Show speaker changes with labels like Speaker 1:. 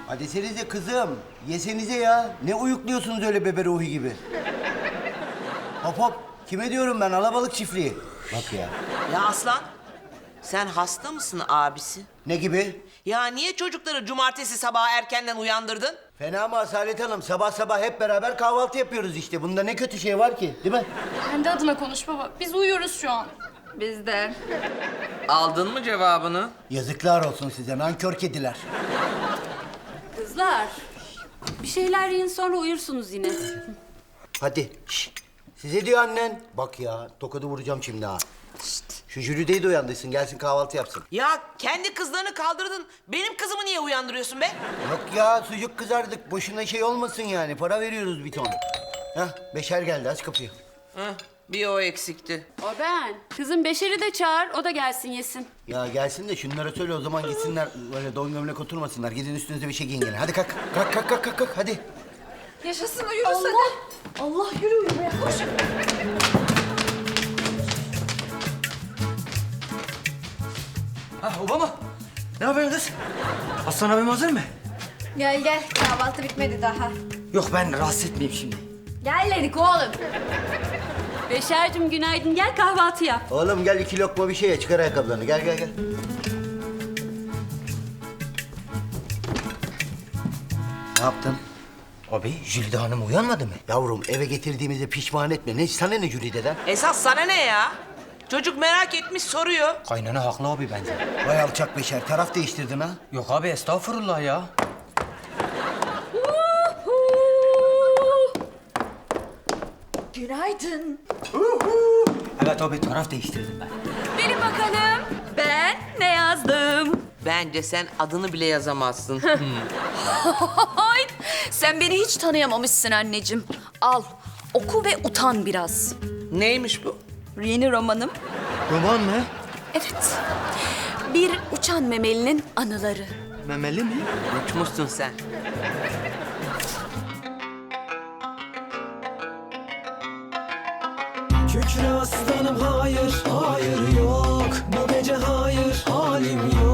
Speaker 1: Hadi desenize kızım. Yesenize ya. Ne uyukluyorsunuz öyle bebe ruhu gibi? Hop hop. Kime diyorum ben? Alabalık çiftliği. Bak ya.
Speaker 2: Ya Aslan, sen hasta mısın abisi?
Speaker 1: Ne gibi?
Speaker 2: Ya niye çocukları cumartesi sabahı erkenden uyandırdın?
Speaker 1: Fena mı Asalet Hanım? Sabah sabah hep beraber kahvaltı yapıyoruz işte. Bunda ne kötü şey var ki? Değil mi?
Speaker 3: Kendi adına konuş baba. Biz uyuyoruz şu an.
Speaker 4: Biz de.
Speaker 2: Aldın mı cevabını?
Speaker 1: Yazıklar olsun size nankör kediler.
Speaker 4: Kızlar. Bir şeyler yiyin sonra uyursunuz yine.
Speaker 1: Hadi. Şşt. Size diyor annen. Bak ya tokadı vuracağım şimdi ha. Şşt. Şu Jüride'yi de uyandırsın gelsin kahvaltı yapsın.
Speaker 2: Ya kendi kızlarını kaldırdın. Benim kızımı niye uyandırıyorsun be?
Speaker 1: Yok ya sucuk kızardık. Boşuna şey olmasın yani. Para veriyoruz bir ton. Hah Beşer geldi aç kapıyı.
Speaker 2: Heh, bir o eksikti.
Speaker 4: O ben. Kızım Beşer'i de çağır, o da gelsin yesin.
Speaker 1: Ya gelsin de şunlara söyle o zaman gitsinler. Böyle don gömlek oturmasınlar. Gidin üstünüze bir şey giyin gelin. Hadi kalk. Kalk hadi.
Speaker 3: Yaşasın uyuruz hadi. Allah yürü uyumaya koş.
Speaker 5: Ha Obama. Ne yapıyorsun kız? Aslan abim hazır mı?
Speaker 3: Gel gel kahvaltı bitmedi daha.
Speaker 5: Yok ben rahatsız etmeyeyim şimdi.
Speaker 3: Gel dedik oğlum.
Speaker 4: Beşer'cim günaydın, gel kahvaltı yap.
Speaker 1: Oğlum gel 2 lokma bir şey ye. Çıkar ayakkabılarını. Gel. Ne yaptın?
Speaker 5: Abi Jülide Hanım uyanmadı mı?
Speaker 1: Yavrum eve getirdiğimizde pişman etme. Ne sana ne Jüride'den?
Speaker 2: Esas sana ne ya? Çocuk merak etmiş soruyor.
Speaker 5: Kaynana haklı abi bence.
Speaker 1: Vay alçak Beşer. Taraf değiştirdin ha.
Speaker 5: Yok abi estağfurullah ya.
Speaker 3: Günaydın.
Speaker 5: Evet abi taraf değiştirdim ben.
Speaker 4: Bilin bakalım, ben ne yazdım?
Speaker 2: Bence sen adını bile yazamazsın.
Speaker 6: Ay, sen beni hiç tanıyamamışsın anneciğim. Al, oku ve utan biraz.
Speaker 2: Neymiş bu?
Speaker 6: Yeni romanım.
Speaker 5: Roman mı?
Speaker 6: Evet. Bir uçan memelinin anıları.
Speaker 5: Memeli mi?
Speaker 2: Uçmuşsun sen.
Speaker 7: Kükre aslanım hayır, hayır yok. Bu gece hayır, halim yok.